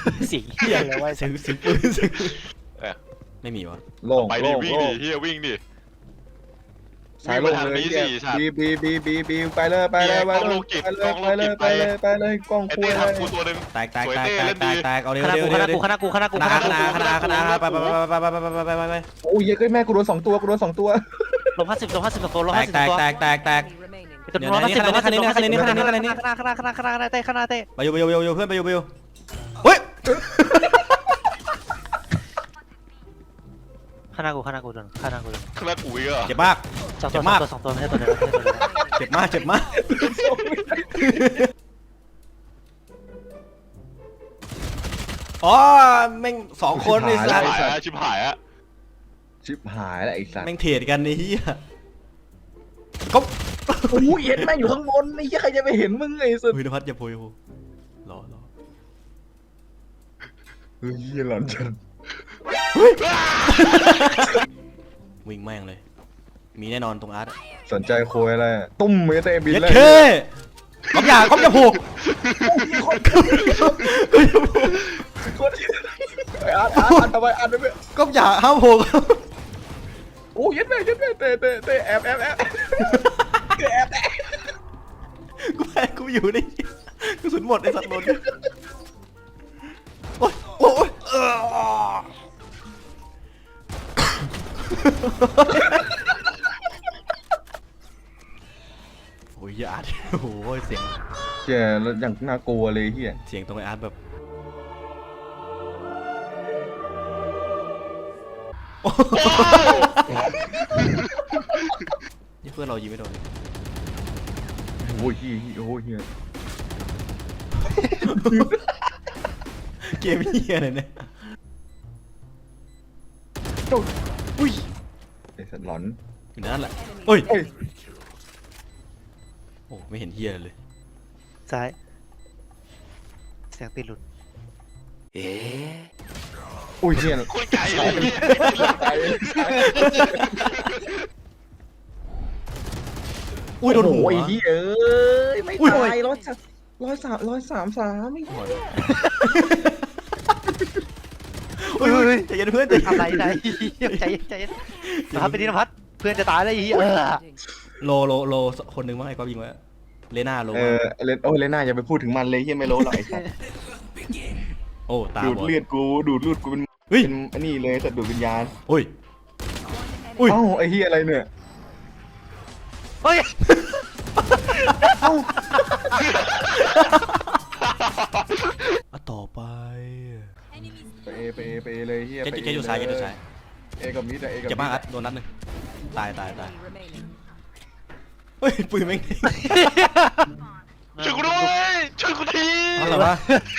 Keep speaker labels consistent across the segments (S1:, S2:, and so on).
S1: เสียงเฮียอะไรวะ
S2: เสียงปืนเสียงปืน
S3: เออ
S2: ไม่มีวะ
S4: โล่ง
S3: ไปดิ
S4: โล่ง
S3: วิ่ง
S4: โล่
S3: ดิ
S4: ง
S3: เฮียวิ่งดิ
S4: สายโล่งเลยบีไปเลยไปเลยไปเลยไปเลยไปเลยไปเลยกล้อง
S3: ไอ้
S4: คุย
S3: เต้
S4: เลย
S3: ทำกูตัวหนึ่ง
S2: แตก
S3: สวยเต้เล่นดี
S2: เอาเร็ว
S1: คณะ
S2: เร็ว
S1: กูค
S2: เร็
S1: ณะ
S2: ว
S1: กูคณะกูคณะกู
S2: คณะไป
S4: โอ้ยเฮ้ยแม่กูโดน2 ตัวกูโดน2 ตัว
S1: ลง50ลง50ตัวลง
S2: แตก
S1: 50
S2: แตก
S1: ตัว
S2: แตกแตกแตก
S1: ตัวลง50ลง50ลง50คณะเต้คณะเต้
S2: ไปอยู่เพื่อนไปอยู่เฮ้ย
S1: คณะกูโดนคณะกูโดน
S3: คณะกูอีกอ่ะ
S2: เจ็บมาก
S1: 2 ตัว2 ตัวไม่ใช่ตัวเดียวไม่ใช่ตัวเดียว
S2: เจ็บมากอ๋อแม่ง2 คนไอ้สัส
S3: ชิบหายอะ
S4: ชิบหายแล้วไอ้สัตว์
S2: แม่งเทรดกันไอ้เหี้ยก็
S4: โอ้ยเห็นแม่งอยู่ข้างบนไอ้เหี้ยใครจะไปเห็นมึงไอ้สัตว์
S2: เฮ้ยนภัสอย่าโผล่รอ
S4: เฮ้ยหลอนจัง
S2: วิ่งแม่งเลย มีแน่นอนตรงอาร์ต
S4: สนใจโคยอะไรตุ้มมือเตะบิน
S2: เย็ด
S4: เลย
S2: เคก๊อฟอย่าผูก
S4: อ่านทำไมอ่านไม่
S2: ก๊อฟอย่าห้ามผูก
S4: โอ้ยยัดแม่เตะแอบแอบ
S2: กูอยู่นี่กระสุนหมดไอ้สัตว์โดนโอ้ยโอ้ยอาร์ตโอ้โหเสียง
S4: เจ๋แล้วอย่างน่ากลัวเลยเฮีย
S2: เสียงตรงไอ้อาร์ตแบบนี่เพื่อนเรายิงไม่โดน
S4: โอ้ยโอ้ยเฮีย
S2: เกมเหี้ยอะไรเนี่ย
S4: อุ้ยไอ้สัตว์หลอน
S2: อยู่นั่นแหละโอ้ยโอ้ไม่เห็นเหี้ยเลย
S1: ซ้ายเสียงตีหลุด
S4: อุ้ยเฮีย
S3: คนไก่เลย
S2: อุ้ยโดนหัว
S4: โอ้ยเฮียเอ้ยไม่ตาย133ไม่ตาย
S2: อุ้ยใจเย็นเพื่อนใจเย็น
S1: อะไรไหนใจเย็นพัดไปดินพัดเพื่อนจะตายแล้วอี
S2: โลคนหนึ่งมั้งไอ้ก๊อฟยิงไว้เลน่าโล
S4: เลน่าอย่าไปพูดถึงมันเลยเฮียไม่รู้หรอกไอ้สัตว์
S2: โอ้ตา
S4: ดูด
S2: บอด
S4: เลือดกูเป็น
S2: เฮ้ย
S4: อันนี้เลยสัตว์ดูดวิญญาณ
S2: อุ้ย
S4: เอ้าไอ้เฮียอะไรเนี่ย
S1: เฮ้ย
S2: ต่อไป
S4: ไปเลยเฮีย
S2: เกอยู่ซ้าย
S4: เอกับมิดเอกับ
S2: เจ็บมากอัดโดนนัดหนึ่งตายเฮ้ยปืนแม่ง
S3: ช่วยกูด้วยช่วยกูที
S2: อะไรวะ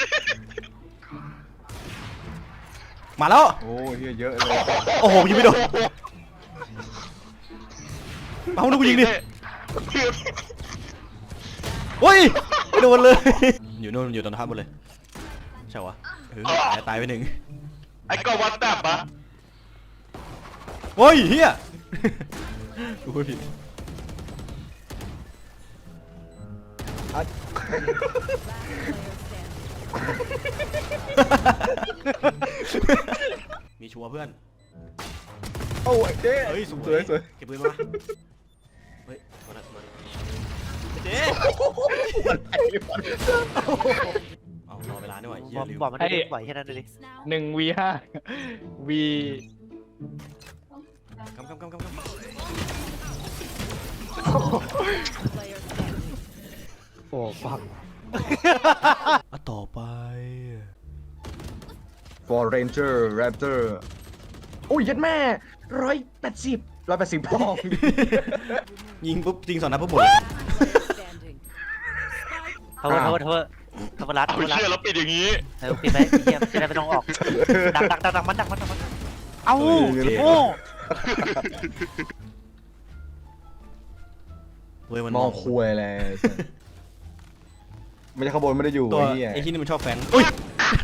S2: มาแล้ว
S4: โอ้เฮียเยอะเลย
S2: โอ้โหยิงไม่โดนเอาดูกูยิงดิโอ้ยไม่โดนเลยอยู่นู่นอยู่ตรงท่าบนเลยใช่วะตายไปหนึ่ง
S3: ไอ้กอวัดแบบปะ
S2: โอ้ยเฮียกูพูดผิดมีชัวร์เพื่อน
S4: โอ้ยเจ๊
S2: เฮ้ยส
S4: ส
S2: ว
S4: วย ย
S2: เก็บปืนมาเฮ้ยมาเจ๊เอารอเวลาด้วยเฮียลืม
S1: บอกมันได้ไหวแค่นั้นเลย
S5: 1v5 v
S2: กำ
S1: โอ้ฟัง
S2: ต่อไป
S4: For Ranger Raptor โอ้ยยัดแม่180พอง
S2: ยิงปุ๊บยิง2 นัดปุ๊บหมดเลย
S1: เทวรัด
S3: เอาเชื่อแล้วปิดอย่างนี้
S1: ปิดไหมเยี่ยมจะได้ไม่ต้องออกดักมันเอ้าโอ้
S2: เว้ยมัน
S4: มองคุยเลยไม่ใช่ขบวนไม่ได้อยู่
S2: ตัว
S4: ไอ้เหี้ย
S2: ไอ้ที่นี่มันชอบแฟงอุ้ย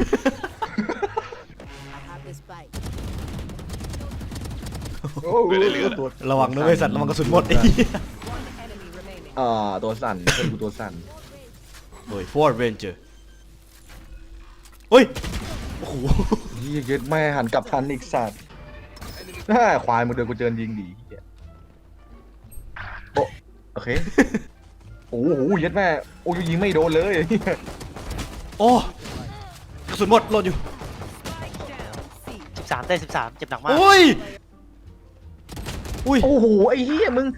S2: ระวังด้วยสัตว์ระวังกระสุนหมดไอ้เหี้ย
S4: ตัวสั่นเป็นกูตัวสั่น
S2: โดย Ford Ranger เฮ้ยโห
S4: เหี้ยเย็ดแม่หันกลับทันอีกสัตว์ควายมึงเดินกูเจอยิงดีเหี้ยโอเคโอ้โหเย็ดแม่โอ้ยยิงไม่โดนเลย
S2: โอ้กระสุนหมดโหลดอยู่
S1: 13ได้13เจ็บหนักมาก
S2: โอ้ยอุ้ย
S4: โอ้โหไอ้เหี้ยมึง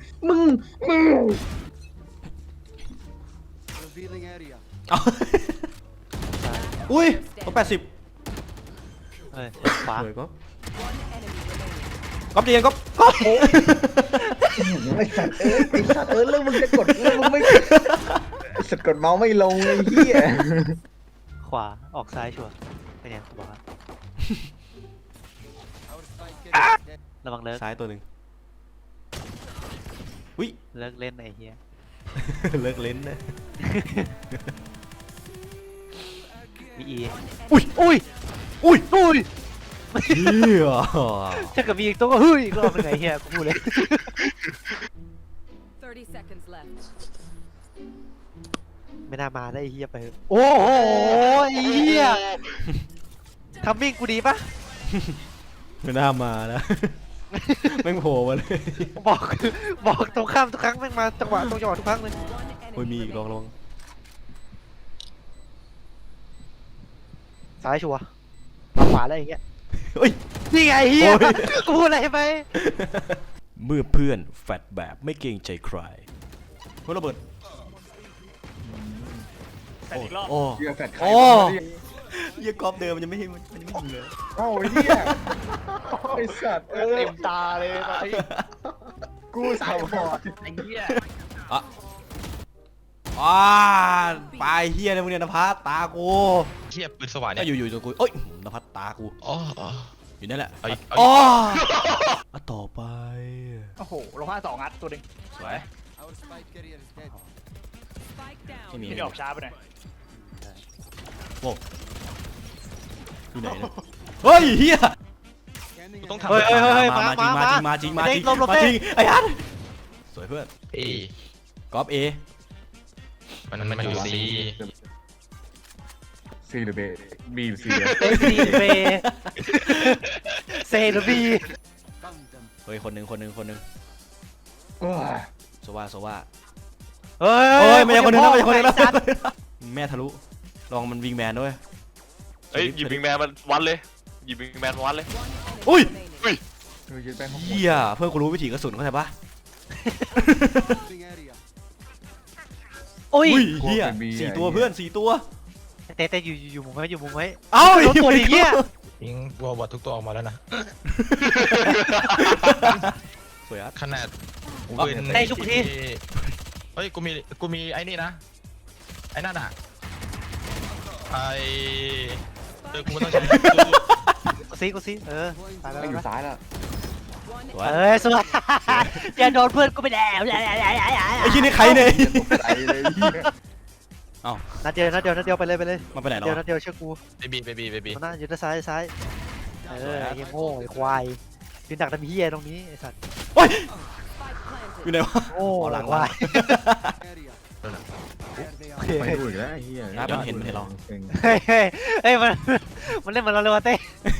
S2: เอาอุ้ยต้อง80
S1: เฮ้ยขวา
S2: เฮ้ยก็เดียนก็
S4: ไอ้สัตว์แล้วมึงจะกดแล้วมึงไม่ไอ้สัตว์กดเมาส์ไม่ลงไอ้เหี้ย
S1: ขวาออกซ้ายชัวร์เป็นไงบอกว่าระวังเลิก
S2: ซ้ายตัวหนึ่งอุ้ย
S1: เลิกเล่นไอ้เหี้ย
S2: เลิกเล่นนะ
S1: มีอี
S2: อุ้ย
S1: อุ้ย
S2: อุ้ย
S1: อุ้ย
S2: เฮีย
S1: ถ้าเกิดมีอีกตัวก็เฮ้ยอีกรอบเป็นไงเหี้ยกูพูดเลย
S6: 30 seconds left.
S1: ไม่น่ามาได้ไอ้เหี้ยไปเถอะโอ้โหไอ้เหี้ยทัมมิ่งกูดีปะ
S2: ไม่น่ามานะ แม่งโผล่มาเลย
S1: บอกตรงข้ามทุกครั้งแม่งมาจังหวะตรงจังหวะทุกครั้งเลย
S2: โอ้ยมีอีกลอง
S1: ซ้ายชัวร์มาขวาแล้วอย่างเงี้ย
S2: เฮ้ย
S1: นี่ไงเฮีย
S2: โอ้ย
S1: กูพูดอะไรไป
S2: เมื่อเพื่อนแฟดแบบไม่เกรงใจใครเฮ้ยระเบิด
S5: แต่อีกรอบ
S2: โอ้
S4: เหี้ยแฟดใคร
S2: โอ้
S4: วะเนี่ย
S2: เหี้ยกรอบเดิมมันยังไม่ยิงเลย
S4: เอ้าไอ้เหี้ยไอ้สัตว์
S5: เต็มตาเลยตอนนี้
S4: กูสาวบอด
S5: ไอ้เหี้ย
S2: ปลายเฮียเลยมึงเนี่ยนภัสตากู
S3: เทียบปืนสว่าน
S2: ก็
S3: เนี่ย
S2: อยู่ตัวกูเอ้ยนภัสตากู
S3: อ๋อ
S2: อยู่นั่นแหละ
S3: เอาอีก
S2: อ๋อต่อไป
S5: โอ้โหลง52 นัดตัวหนึ่ง
S2: สวย
S6: Spike down.
S2: ไม่มี
S5: ที่ออกช้าไปหน่อย
S2: โว้อยู่ไหนเนี่ยเฮ้ยเฮีย
S3: ต้องทำ
S1: เฮ้ย
S2: มาจริงไอ้ฮันสวยเพื่อน
S3: เอก
S2: รอบเอ
S3: มันอยู่ซี
S4: ซีหรือเบบีหรือซี
S1: เอซีเบเซหรือบี
S2: เฮ้ยคนหนึ่ง
S4: โอ้ย
S2: โซว่า
S1: เฮ้
S2: เฮ้ยไม่ใช่คนหนึ่งแล้วไม่ใช่คนหนึ่งแล้ว
S1: ไอ้สัตว์
S2: แม่ทะลุลองมันวิงแมนด้วย
S3: เฮ้ยหยิบวิงแมนมันวัดเลยหยิบวิงแมนวัดเลย
S2: อุ้ย
S4: เฮ้ยเย็ดแม่ของ
S2: เฮียเพื่อนกูรู้วิถีกระสุนเข้าใจปะ
S1: โอ้ย
S2: อุ้ยเฮีย4 ตัวเพื่อน4 ตัว
S1: แต่อยู่มุมไว้อยู่มุมไว้
S2: เอ้า
S1: โดนตัวดิเหี้ย
S3: ยิงวัวบอดทุกตัวออกมาแล้วนะ
S2: สวยอ่ะ
S3: ขนาด
S1: ได้ทุกที
S3: เฮ้ยกูมีไอ้นี่นะไอ้นั่นอ่ะกูไม่ต้องใช้
S1: กูซิตายแล้ว
S4: ไม่อยู่ซ้ายแล้ว
S2: สวย
S1: สวยอย่าโดนเพื่อนกูไปแล้ว
S2: ไอ้ที่นี่ใครเนี่ย
S4: ตกใจเลยเหี้ย
S1: นัดเดียวไปเลย
S2: มันไปไหน
S1: นัดเดียวเชื่อกู
S3: เบบี
S1: หน้าอยู่ด้านซ้ายไอ้ยังโง่ไอ้ควายยืนดักทำเฮียตรงนี้ไอ้สัตว์
S2: โอ้ย
S6: Spike
S2: อยู่ไหนวะ
S1: โง่
S2: อ๋อหลัง
S1: ควาย
S4: ไปดูอีกแล้วไอ้เหี้ย
S2: มันเห็นเรา
S1: เฮ้ยมันเล่นเหมือนเราเลยวะเต้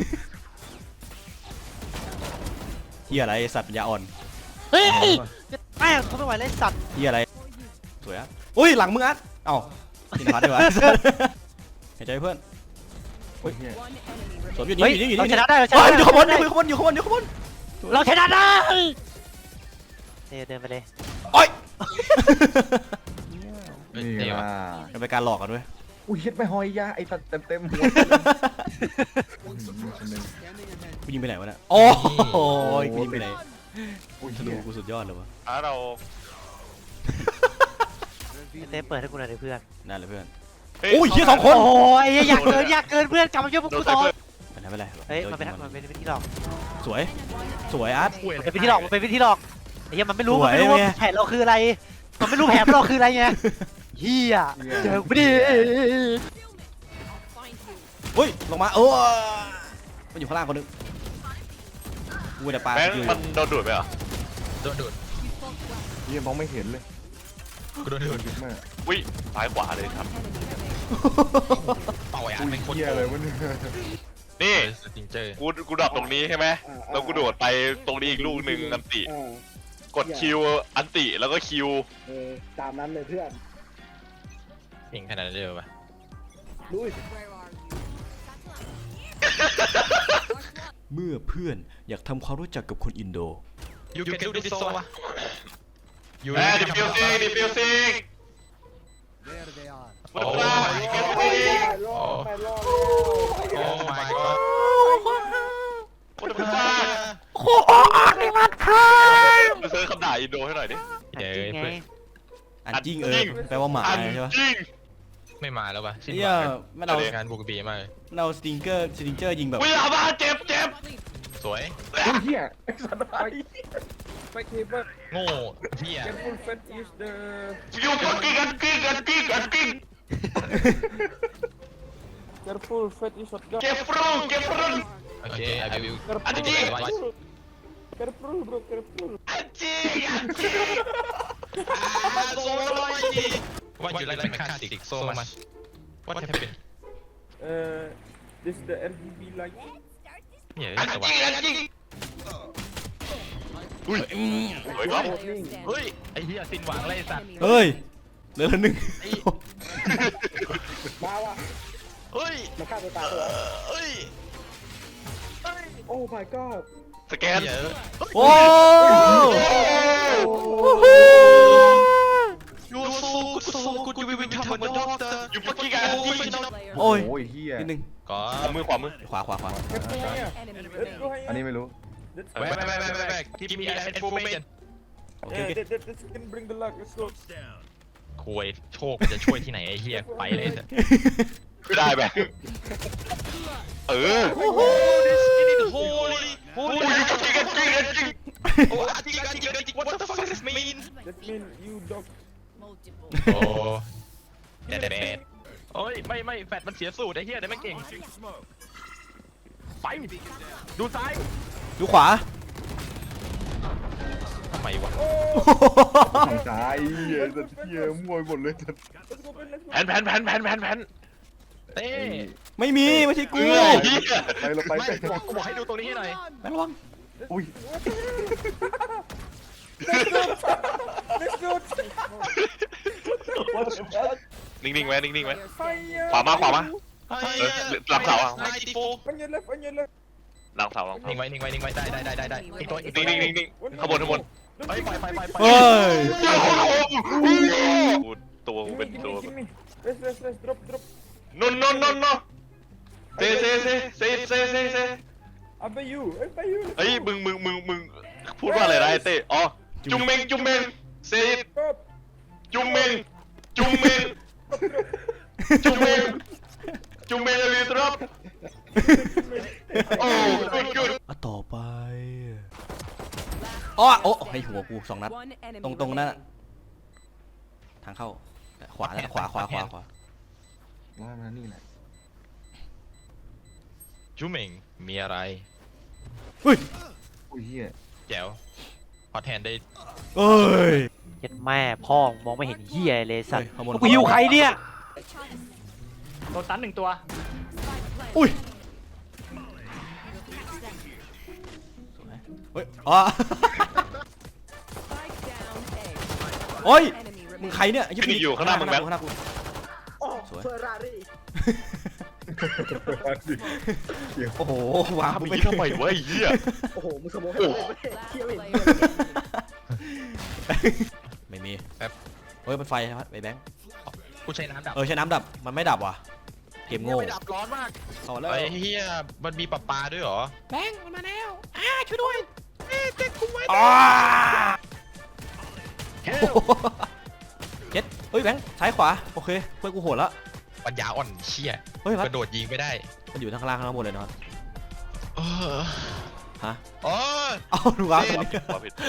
S2: เฮียอะไรสัตว์ปัญญาอ่อน
S1: เฮ้ยแม่งเขาไม่ไหวเลยสัตว์
S2: เฮียอะไรสวยอ่ะอุ้ยหลังมึงอัดเอ้ากินพัดดีกว่าเห็นใจเพื่อน
S4: โอ้ยเหี้ย
S6: one enemy
S2: สวม
S6: remaining.
S2: อยู่นี่
S1: เราชนะได้เราช
S2: เฮ้
S1: นะ
S2: ย
S1: ได้
S2: อยู่ข้างบนอยู่ข้างบน
S1: เราชนะได้เดินไปเลย
S2: โอ้ย
S4: นี่ว่า
S2: มันเป็นการหลอกกันด้วย
S4: อุ้ยเฮ็ดไม่หอยยาไอ้ตัดเต็มหัวคนหนึ่ง
S2: กูยิงไปไหนวะเนี่ยโอ้โหกูยิงไปไหน
S4: อุ้ย
S2: ธนูกูสุดยอดเลยวะ
S3: เรา
S1: เต้เปิดให้กูหน่อยดิเพื่อน
S2: นั่นเลยเพื่อน
S3: เฮ้ย
S2: โอ้ยเฮีย2 คน
S1: โอ้ยอยากเกินเพื่อนกลับมาช่วยพวก
S3: โด
S1: กู
S3: น
S1: ต่อ
S3: เพื่อน
S2: ไม่เป็นไร
S1: เฮ้ยมันเป็นวิธีหลอก
S2: สวยอาร์ต
S1: มันเป็นวิธีหลอกมันเป็นวิธีหลอกไอ้เหี้ยมันไม่รู้
S2: ส
S1: มั
S2: วน ย
S1: ไม่รู้ว่า
S2: ไง
S1: แผนเราคืออะไรมันไม่รู้แผนเราคืออะไรไงเฮียเจอกูดิ
S6: Find you.
S2: เฮ้ยลงมามันอยู่ข้างล่างคนนึงกูแต่ปลา
S3: แม่ง
S2: อยู่
S3: มันโดนดูดไปเหรอโดนดูด
S4: เหี้ยมองไม่เห็นเลย
S3: กูโดนดูด
S4: เย็ดแม่
S3: วิ่ซ้ายขวาเลยครับ
S6: Enemy remaining.
S3: เป่าไอ้อั
S4: อุ้
S3: น
S4: ย
S3: เป็นคน
S4: เหี้ย
S3: โก
S4: เลย
S3: ง
S4: วะเนี่ย
S3: นี่
S7: สติงเจอร์
S3: กูดรอปตรงนี้ใช่ไหมแล้วกูโดดไปตรงนี้อีกลูกหนึ่งอันติกดคิวอันติแล้วก็คิว
S8: ตามนั้นเลยเพื่อน
S7: เก่งขนาดนั้นเลยปะ
S8: ลุย
S6: Where are you?
S2: เมื่อเพื่อนอยากทำความรู้จักกับคนอินโด
S7: ยูแกดูดิโซวะยู
S3: ดิฟิวซิงดิฟิวซิง
S7: โอ้
S8: รอไปรอ
S7: โอ้ my god
S3: คนเป็นบ้าไปเซิร์ชคำด่าอินโดให้หน่อยดิ
S7: เย้
S1: จริงไง
S2: อันจริงแปลว่าหมา
S3: อัน
S2: ใช่ปะ
S3: จริง
S7: ไม่มาแล้วปะสิ้น
S2: เฮี
S7: ห
S2: ย
S7: วัง
S2: ไม่เอา
S7: งานบุกบีมากเลย
S2: เราสติงเกอร์ยิงแบบ
S3: วิลาบ้าเจ็บ
S7: สวย
S8: เฮียไอ้สัตว์ไปเคเบิล
S7: โง่เฮีย
S8: Careful fat is the
S3: อยู่กันกิ้ง
S8: Careful fat is shotgun
S3: เก็บฟรุง
S7: โอเค I will
S3: อันจริง
S8: Careful bro careful
S3: โซ่ลอยดี
S7: What you like mechanic so much What happened
S8: This the RGB light
S7: เนี่ย
S3: อัน
S7: แต่
S3: จ
S7: ว่า
S3: ริงอุ้ยสวยครับ
S6: Player standing.
S7: เฮ้ยไอ้เหี้ยสิ้นหวังเลยไอ้สัตว์
S6: Enemy
S2: เฮ้ยเหลือละหนึ่ง
S8: มาว่ะ
S7: เฮ้ย
S8: มาฆ่าตัวตายตัว
S7: เฮ้ย
S8: Oh my god
S3: สแกน
S7: เหี้ย
S2: โอ้
S7: You are so good you will become a doctor
S3: อยู่ปักกิ่งอันจริง
S6: player
S2: โอ้ย
S4: โอ้ยเฮีย
S2: นิดนึง
S7: ก็
S3: ขวามือ
S2: ขวา
S6: enemy
S8: Let's go
S6: remaining.
S4: อันนี้ไม่รู้
S7: แวะgive me that information
S2: โอเค
S8: This can bring the luck let's go
S7: คุยโชคมันจะช่วยที่ไหนไอ้เหี้ยไปเลยเถอะ
S3: ได้แบบเออ
S7: Holy
S3: โอ้ยอยู่ปักกิ่งอันจริง
S7: Oh, I think, what the fuck does this mean?
S8: That mean you dog
S6: Multiple.
S7: โอ้แต่แบดโอ้ยไม่แฟดมันเสียสูตรไอ้เหี้ยแต่ไม่เก่งไปดูซ้าย
S2: ดูขวา
S7: ทำไมวะ
S4: ทางซ้ายเฮียสัตว์เฮียมั่วไปหมดเลยสัตว์
S8: let's go let's go
S3: แผน
S7: เต้
S2: ไม่มีไม่ใช่กู
S3: เฮ้ยเหี้ย
S4: ไปเราไป
S7: ไม่บอกให้ดูตรงนี้ให้หน่อย
S2: แม่ระวัง
S4: อุ้ย
S8: let's go
S3: นิ่งๆไว้
S6: Player
S3: ขวา
S6: standing.
S3: มา หลังเสาอะ
S8: on your left
S3: หลังเสา
S7: นิ่งไว้ได้อีกตัว
S3: นิ่งข้างบน
S7: ไป
S2: เฮ้ย
S3: กูตัวกูเป็นตัว
S8: give me let's drop
S3: นนเซ
S8: Abay you
S3: เฮ้ยมึงพูดว่าอะไรนะไอ้เต้อ๋อจุงเมงเซ
S8: stop
S3: จุงเมงเลยครับโอ้good
S2: อ่ะต่อไปอ้อโอ้ให้หัวกู2 นัด
S6: One enemy
S2: ตรงนั้น
S6: remaining.
S2: ทางเข้าขวาแล้วขวา
S4: ว่ามานี่แหละ
S7: จูเหม่งมีอะไร
S2: เฮ้ย
S4: อุ้ยเฮีย
S7: แจ๋วพอแทนได้
S2: เอ้ย
S1: เจ็ดแม่พ่อมองไม่เห็นเหี้ยเลยสัตว์
S2: เฮ้ยขโมย
S1: กูหิวใครเนี่ย
S5: โดนตัน1 ตัว
S2: อุ้ยเฮ้ยอ๋อ
S6: Spike down A.
S2: โอ้ย
S6: Enemy
S2: มึง
S6: remaining.
S2: ใครเนี่ย
S3: นี่อยู่ข้างหน้ามึงแบงค์
S2: ข้างหน้ากู สวย
S8: เฟอร์รารี่
S2: โอ้โหวาง
S3: ทำ
S2: มึง
S3: ไป
S2: ไป
S3: ทำไมวะไอ้เหี้ย
S8: โอ้โหมึงสมอง
S6: Last player standing.
S2: ไม่มี
S7: แป๊บ
S2: เฮ้ยมันไฟครับไอ้แบงค์
S7: กูใช้น้ำดับ
S2: ใช้น้ำดับมันไม่ดับว่ะเกมโง่
S7: ไม่ดับร้อนมาก
S2: เอาแล้ว
S7: ไอ้เหี้ยมันมีปลาด้วยเหรอ
S2: แบงค์มันมาแล้วช่วยด้วย
S7: เจ๊กูไว้
S2: เจ็ดเฮ้ยแบงค์ซ้ายขวาโอเคเพื่อนกูโหดแล้ว
S7: ปัญญาอ่อนเชี่ย
S2: เฮ้ยพัด
S7: กระโดดยิงไม่ได้
S2: มันอยู่ข้างล่างข้างบนเลยเนาะ
S7: เออ
S2: ฮะ
S7: อ๋อ
S2: เอาดูวางตรงนี้
S3: ผิด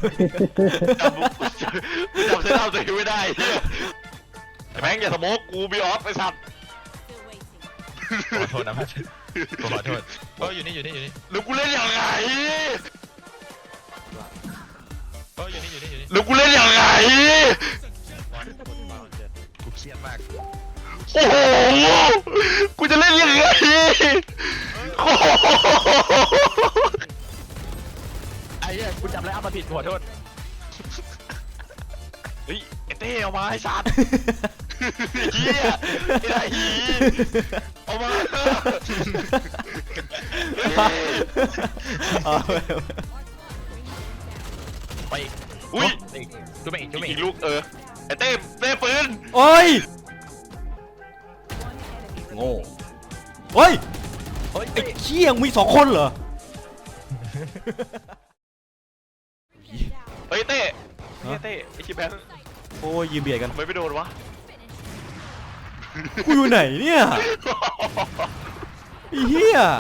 S3: จำเส้นทางตัวเองไม่ได้เหี้ยแม่งอย่าสโมกกูบีออฟไอ้สัตว์
S6: Still waiting.
S7: ขอโทษนะพัดขอโทษอยู่นี่
S3: แล้วกูเล่นยังไง
S7: อยู่นี่
S3: แล้วกูเล่นยังไง
S7: กูเครียดมาก
S3: โอ้โห กูจะเล่นยังไง โค
S7: ไอ้เหี้ยกูจำอะไรอัพมาผิดขอโทษ
S3: เฮ้ยไอ้เต้เอามาให้สัตว์เฮียไอ้หีเอามา
S2: เอาไป
S7: ไปอีก
S3: อุ้ย
S7: จุ๊บเองจุ๊บเอง
S3: อีกลูกไอ้เต้ปืน
S2: โอ้ยโง่เฮ้ย
S7: เฮ้ย
S2: ไอ้เขี้ยงมี2 คนเหรอ
S3: เฮ้ยเต้ไอ้ชิบแบงค์
S2: โอ้ยยืมเบียดกัน
S3: ทำไมไม่โดนวะ
S2: กูอยู่ไหนเนี่ยไอ้เหี้ย